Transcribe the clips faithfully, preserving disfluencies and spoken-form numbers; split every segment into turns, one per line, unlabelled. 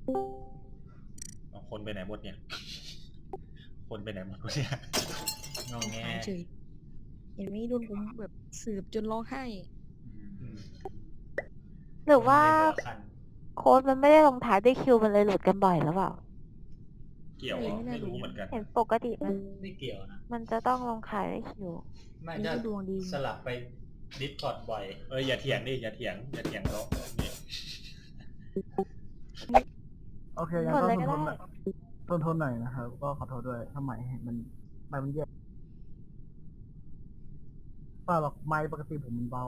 เอาคนไปไหนหมดเนี่ย คนไปไหนหมดวะเนี่ยงอแง
หายเฉยเห็นไหมโดนผมแบบสืบจนร้องไห้
อืม
หรือว่า
เล่นแต่ละคัน
โค้ดมันไม่ได้ลงท้ายด้วยคิวมันเลยหลุดกันบ่อยหรือเปล่า
เกี่ยวเหรอไม่รู้เหมือนกัน
เห็นปกติมัน
ไม่เกี่ยวนะ
มันจะต้องลงท้ายด้วยคิว
ไม่
นี่
ถ้า
ก็ดวงดี
สลับไปดิสคอร์ดบ่อย
เอออย่าเถียงดิอย่าเถียงอย่าเถียงเขาเนี่ย
โอเคงั้น
กด
ก็
เลย
ท
ก็
นทน
ได้
ทนทนหน่อยนะครับ ก็ขอโทษด้วยถ้าไมค์มันไมค์มันแย่เปล่าหรอกไมค์ปกติผมมันเบา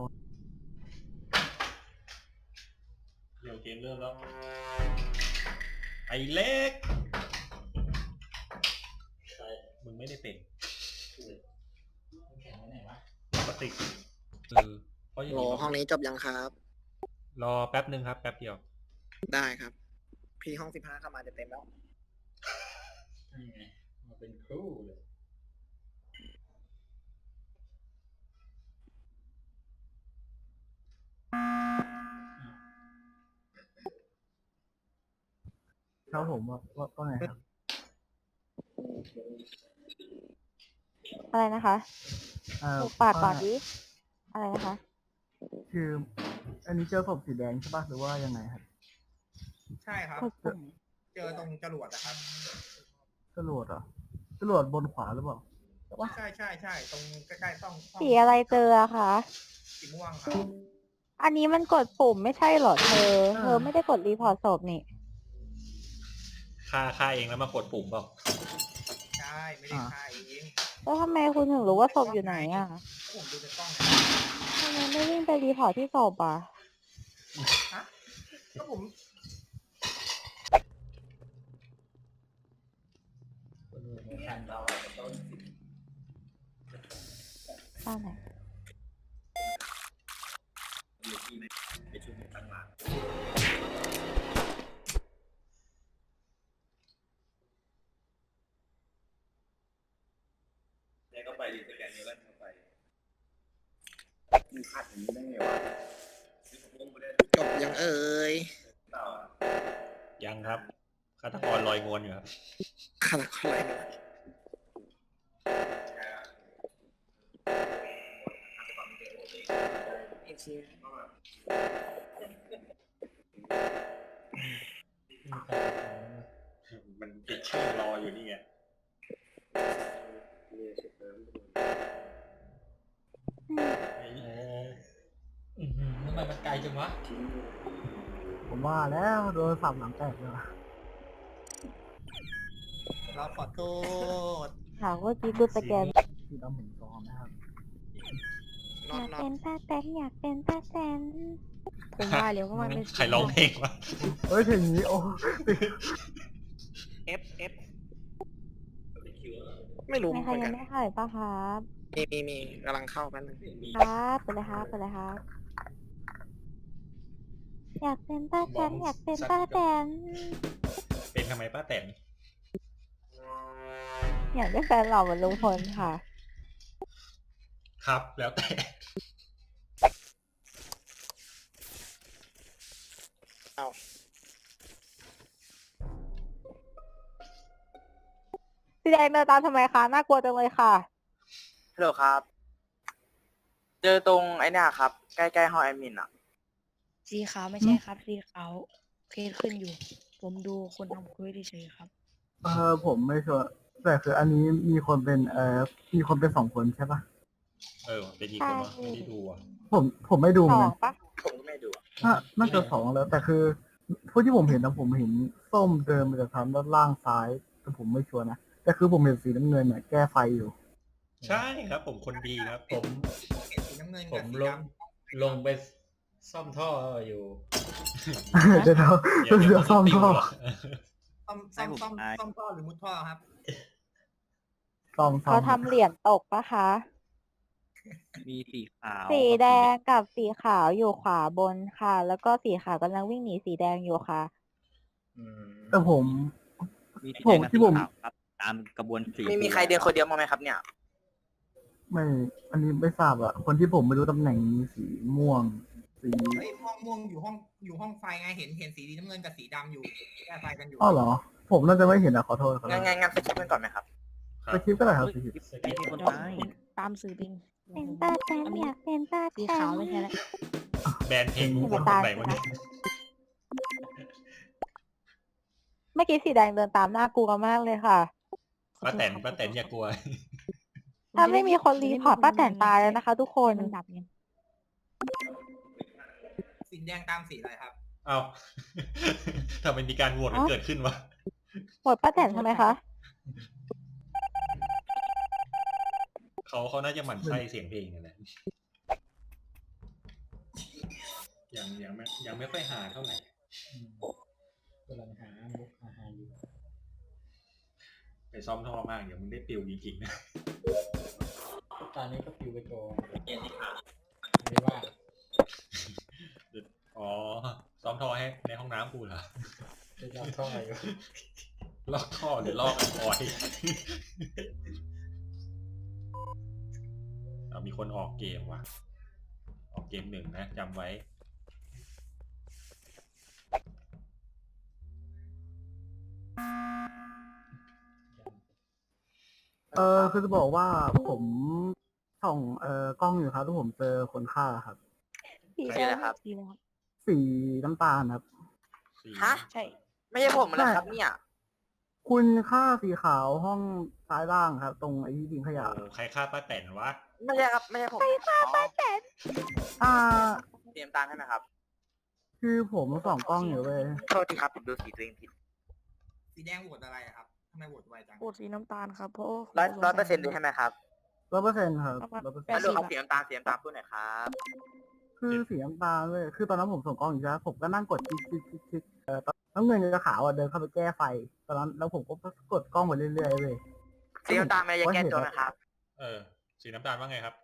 เดี๋ยวเกมเริ่มแล้วไอ้เล็กมึงไม่ได้เป็น
แข่งไว้ไหนวะ
ปกติเออเพราะอย่าง
โหล
นี้
ห้องนี้จบยังครับ
รอแป๊บนึงครับแป๊บเดียว
ได้ครับ พี่ห้องสิบห้าเข้ามาจะเต็มแล้ว
นี่ไงมาเป็นครูเลย
ครับผมว่าว่าว่าไงครับ
อะไรนะคะ
เอ่อ
ถูกปากก่อน
ว่า
ดิ อะไรนะคะ
คือ อันนี้เจอศพสีแดงใช่ปะหรือว่ายังไงครับ
ใช่ครับ
กดปุ่ม
เจอตรงจรวดนะครับ
จรวดเหรอจรวดบนขวาหรือเปล่า
ใช่ใช่ใช่ตรงใกล้ๆต้องห้ง
สีอะไรเจออะคะ
สีม่วงครับ
อันนี้มันกดปุ่มไม่ใช่เหรอเธอ
อ่า
เธอไม่ได้กดรีพอร์ตศพนี่
ฆ่าฆ่าเองแล้วมากดปุ่มเปล่า
ใช่ไม่ได้ฆ่าเอง
แล้วทำไมคุณถึงรู้ว่าศพอยู่ไหนอะ
ผมดูในกล้องไง
ทำไมไม่วิ่งไปรีพอร์ตที่ศพอะ
ฮะก็ผม
คนดูในคันเราต้น
บ้านไหน
ไปช่วยตั้งหลังแล้วก็ไปรีสแกนเยอะแล้วเข้าไปมึงพลาดอย่างนี้ได้ไงวะ
จบยังเอ่ย
ยังครับฆาตกรลอยงวนอยู่ครับ
ขนาดอะไรนะ
มันติดชื่อรออยู่นี่ไง
เอออื้อหือทำไมมันไกลจังวะ
ผมว่าแล้วโดนสับหลังแตกเลยว่ะ
เราขอโทษ
ถามว่ากี้กูสแกน
ที่ดำเห็นซองนะครับ
น
อ
อน
ยาก
นอ
เป็น นป้าแตนอยากเป็นป้าแตน
ผมว่าแล้วว่ามันเป็น
ใครร้องเพลงวะ
เฮ้ยเพลงนี้โอ้
เอฟเอฟไม่รู้
มี
เห
ใคร
มือน
ยั
กั
ง
น
ไม่เข้าอีกปะครับ
มีมีมีกำลังเข้าแป๊บนึง
ครับไปเลยครับไปเลยครับ อยากเป็นป้าแตนอยากเป็นป้าแตน
เป็นทำไมป้าแตน
อยากได้แฟนหล่อเหมือนลุงพลค่ะ
ครับแล้วแต่
เอา
สีแดงเดินตามทำไมคะ น่ากลัวจังเลยค่ะ
ฮัลโหลครับ เจอตรงไอ้เนี่ยครับ ใกล้ๆห้องแอดมินอ่ะ
สีขาวไม่ใช่ครับ สีขาวเคสขึ้นอยู่ ผมดูคนทำคุยเฉยๆครับ
เออผมไม่ชัวร์แต่คืออันนี้มีคนเป็นเอ่อมีคนเป็นสองคนใช่ปะ
เออเป็นกี่คนวะไม่ได้ดูอ่ะ
ผมผมไม่ดูเห
ส
มือน
อง
กัน
ปะ
ผมก็ไม่ดูอะ
น่าน่าจะสองแล้ว แต่คือผู้ที่ผมเห็นนะผมเห็นส้มเดินมาจากทางด้านล่างซ้าย แต่ผมไม่ชัวร์นะแต่คือผมเห็นสีน้ำเงินเนี่ยแก้ไฟอยู่
ใช่ครับผมคนดีครับ
ผม
เห็นสีน้ำเงิน
ผ
กับ
ม
สี
ล
ด
งลงไปซ่อมท่ออยู่
เดี๋ยวเรา
เดี๋ยว
เดี๋
เดี๋
ย
ยว ว
ซ่อม
ติว
ท่อ
หรอก
ำซ่อมซ่อมซ่อมซ่อมท่อหรือมุดท่อครับ
ซ่อมซ่อ
เขา
ม
ทำเหรียญตกปะคะ
มีสีขาว
สีแดงกับสีขาวอยู่ขวาบนค่ะ แล้วก็สีขาวกำลังวิ่งหนีสีแดงอยู่ค่ะ
อืม
แต่ผม
มีสี
ผม
แดงกับ
ที่
สี
ผม
ขาวครับ ตามกระบวนสีไม่มีใครเดินคนเดียวมั้างไหมครับเนี่ย
ไม่ อันนี้ไม่ทราบอะคนที่ผมไม่รู้ตำแหน่งมีสีม่วงสี
เฮ้ยห้องม่วงอยู่ห้องอยู่ห้องไฟไงเห็นเห็นสีน้ำเงินกับสีดำอยู่แก้ไฟกันอยู่
อ้าวเหรอ ผมน่าจะไม่เห็นอะขอโทษครับ
งั้นงั้นงั้นไปเช็คกันก่อนไหมครับ
ครับ
ไปคลิปก็ได้ครับสี
สกิปมีคน
เดี๋ยว
ตาย
ผมตามสื่อปิง
เป็นป้าแตนอยากเป็นป้า
สี
แต
ขาวน ไม่ใช่แล้ว
แบรนด์เพลงรู้คนคนไหนวะเนี่ย
เมื่อกี้สีแดงเดินตามหน้ากลัวมากเลยค่ะ
ป้าแตนป้าแตนอย่ากลัว
ถ้าไม่มีคนรีพอร์ตป้าแตนตายแล้วนะคะ ทุกคน
มันดับไง
สีแดงตามสีอะไรครับ
เอา ทำไมมีการโหวตกันเกิดขึ้นวะ
โหวตป้าแตนทำไมคะ
เขาเขาน่าจะหมั่นไส้เสียงเพลงนั่นแหละยังยังไม่ยังไม่ค่อยหาเท่าไหร่
อืมกำลังหามุกหาหาอยู่
ไปซ้อมท่อมากเดี๋ยวมึงได้ปิวจริงๆนะ
ตอนนี้ก็ปิวไปโจไม่ได้ว่า
อ๋อซ้อมท่อให้ในห้องน้ำกูเหรอ
จะยอมท่ออยู่
ลอกท่อหรือลอกอันออยเอามีคนออกเกมว่ะ ออกเกมหนึ่งนะจำไว้
เออคือจะบอกว่าผมส่องเอ่อกล้องอยู่ครับที่ผมเจอคนฆ่าครับ
สี
ใช่แล้วครับ
สีแล้วครับ
สีน้ำตาลครับ
สี่
ฮะ
ใช่
ไม่ใช่ผมแล้วครับเนี่ย
คุณฆ่าสีขาวห้องซ้ายล่างครับ ตรงไอ้ที่ทิ้งขยะ
โอ้ใครฆ่าป้าแตนวะ
ไม่ใช่ครับ ไม่ใช่ผมใครฆ่าป้าแตน
อ่า
เตรียมตามใช่ไหมครับ
คือผมส่องกล้องอยู่เว้ย
โทษทีครับผมดูสีตัวเองผิด
สีแดงโหวตอะไรอะครับทำไมโหวตไวจัง
โหวตสีน้ำตาลครับเพราะ
ร้อยร้อยเปอร์เซ็นต์เลยใช่ไหมครับ
ร้อยเปอร์เซ็นต์ครับร้อยเปอร์เซ็น
แล้ว
ต์
ดูเอาสีน้ำตาลสีน้ำตาลพูดหน่อยครับ
คือสีน้ำตาลเว้ยคือตอนนั้นผมส่องกล้องอยู่ใช่ไหมผมก็นั่งกดคลิกคลิกคลิกคลิกเอ่อตอนน้ำเงินกับขาวอ่ะเดินเข้าไปแก้ไฟ ตอนนั้นแล้วผมก็กดกล้องไปเรื่อยๆเว้ย
สีน้ำตาลไม่ได้แก้ตัวนะครับ
เออ สีน้ำตาลว่าไงครับ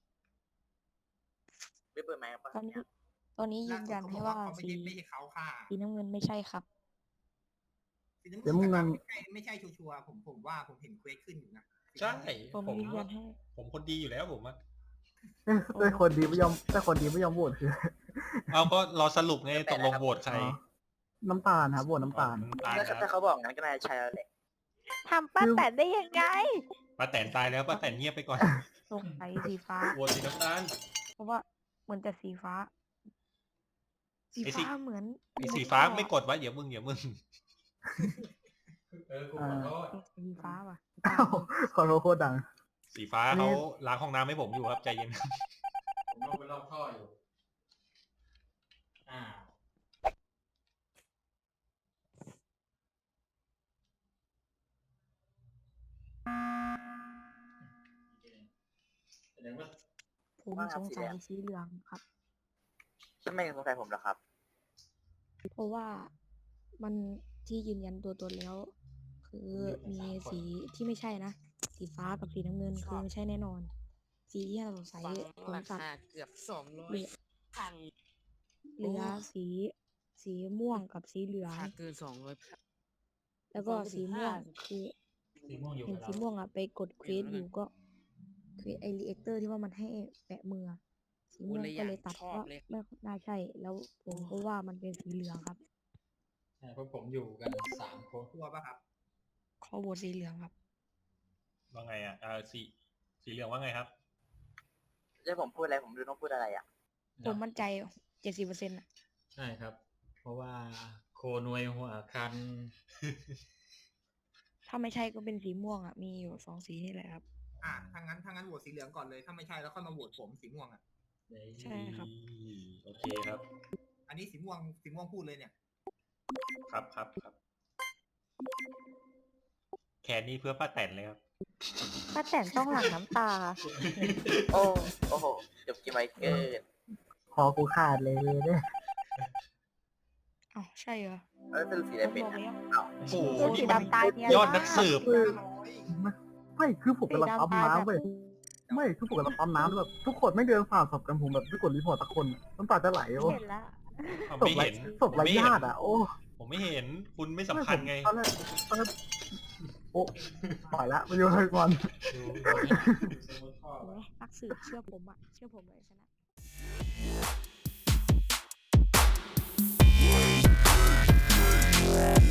ไม่เปิดไหมค์ครับ
ตอนนี้ตอนนี้ยืนยันให้ว่า
เขาไม่
สี
ใช่ไม่ใช่เขาฆ่า
สีน้ำเงินไม่ใช่ครับ
สีน้ำ
เดี๋ยวมึง
เงิ
นั่
น
ง
ไม่ใช่ไม่ใช่ชัวร์ๆผมผมว่าผมเห็นเควสขึ้นอยู่นะ
ใช่
ผม
ผม
ยืนยันให้
ผมคนดีอยู่แล้วผมอะ
เอ้ยแต่คนดีไม่ยอมแต่คนดีไม่ยอมโหวตคือ
เอาก็รอสรุปไงตกลงโหวตใคร
อ๋อ น้ำตาลครับโหวตน้ำตาล
น้ำตาล
แล้ว
ครับ
ถ้าเขาบอกงั้นก็น่าจะใช่แล้วแหละ
ทำป้าแตนได้ยังไง
ป้าแตนตายแล้วป้าแตนเงียบไปก่อน
สงสัยสีฟ้า
โหวตสีน้ำตาล
เพราะว่าเหมือนแต่สีฟ้า สี
ไอ้สี
ฟ้าเหมือน
ไอ้สีฟ้าไม่กดวะเดี๋ยวมึงเดี๋ยวมึง
เออกูขอโทษ
สีฟ้าว่ะ
อ้าวขอโทษโคตรดัง
สีฟ้า
อันนี้
เขาล้างห้องน้ำให้ผมอยู่ครับใจเย็น
ผมลงไปรอบท่ออยู่อ้าวแสดงว่า
ผมสงสัยสีเหลืองครับ
ทำไมสงสัยผมล่ะครับ
เพราะว่ามันที่ยืนยันตัวตนแล้ว คือมีสีที่ไม่ใช่นะ สีฟ้ากับสีน้ำเงินคือไม่ใช่แน่นอน สีที่เราสงสัยผมสัตว์
เกือบสองร้อ
เห
ย
ลือ
พัน
เหลือสี สีม่วงกับสีเหลือง
ค่าเกินสองร้อย
แล้วก็สีม่วงคือ
สีม่วงอยู่
เห็น
กับ
สี
เรา
ม่วงอ่ะไปกดเควสอยู่ก็เควสไอรีแอคเตอร์ที่ว่ามันให้แปะมืออะสีม่วงก็เลยตัดว่าไม่น่าใช่ แล้วผมก็ว่ามันเป็นสีเหลืองครับ
ใช่เพราะผมอยู่กันสามคน
ชัวร์ป่ะครับ
ขอโหวตสีเหลืองครับ
ว่าไงอ่ะอ่าสีสีเหลืองว่าไงครับ
แล้วผมพูดอะไรผมดูต้องพูดอะไรอ่ะ
ผมมั่นใจเจ็ดสิบเปอร์เซ็นต์ะ
ใช่ครับ เพราะว่าโคนวยหัวคัน
ถ้าไม่ใช่ก็เป็นสีม่วงอ่ะ มีอยู่สองสีนี่แหละครับ
อ่ะถ้างั้นถ้างั้นโหวตสีเหลืองก่อนเลย ถ้าไม่ใช่แล้วค่อยมาโหวตผมสีม่วงอ่ะ
ใช่ครับ
โอเคครับ
อันนี้สีม่วงสีม่วงพูดเลยเนี่ย
ครับครับครับแคนนี้เพื่อป้าแตนเลยครับ
ป้าแตนต้องหลั่งน้ำตา
โอ้โอ้โหจบกี่ไมเกิน
คอกูขาดเลยเลยเนี่ย
อ้าวใช่เหรอ
แล้วสรุปสีอะไร
ผม
เป็น
บอก
อะ
แล้ว
อ้าว
โอ้โห
ตัวสี
นี่มัน
ดำตายเนี่ย
ยอดนักสืบ
คือไม่ไม่คือผมกำลังปั๊มน้ำเว้ยไม่คือผมกำลังปั๊มน้ำแล้วแบบทุกคนไม่เดินผ่านศพกันผมแบบไม่กดรีพอร์ตสักคนน้ำตาจะไหลโอ้
เห็นแล้ว
อ้าว
ศพ
ไม่
ไร
เห็น
ศพไร
ไม่เห็น
ญาติอ่ะโอ้
ผมไม่เห็นคุณไม่สำคัญไง
ตอนแรกตอนแรกโอ้ปล่อยละไปอยู่เลยก่อน
เห็นไหมนักสืบเชื่อผมอ่ะ เชื่อผมเลยชนะ
We'll be right back.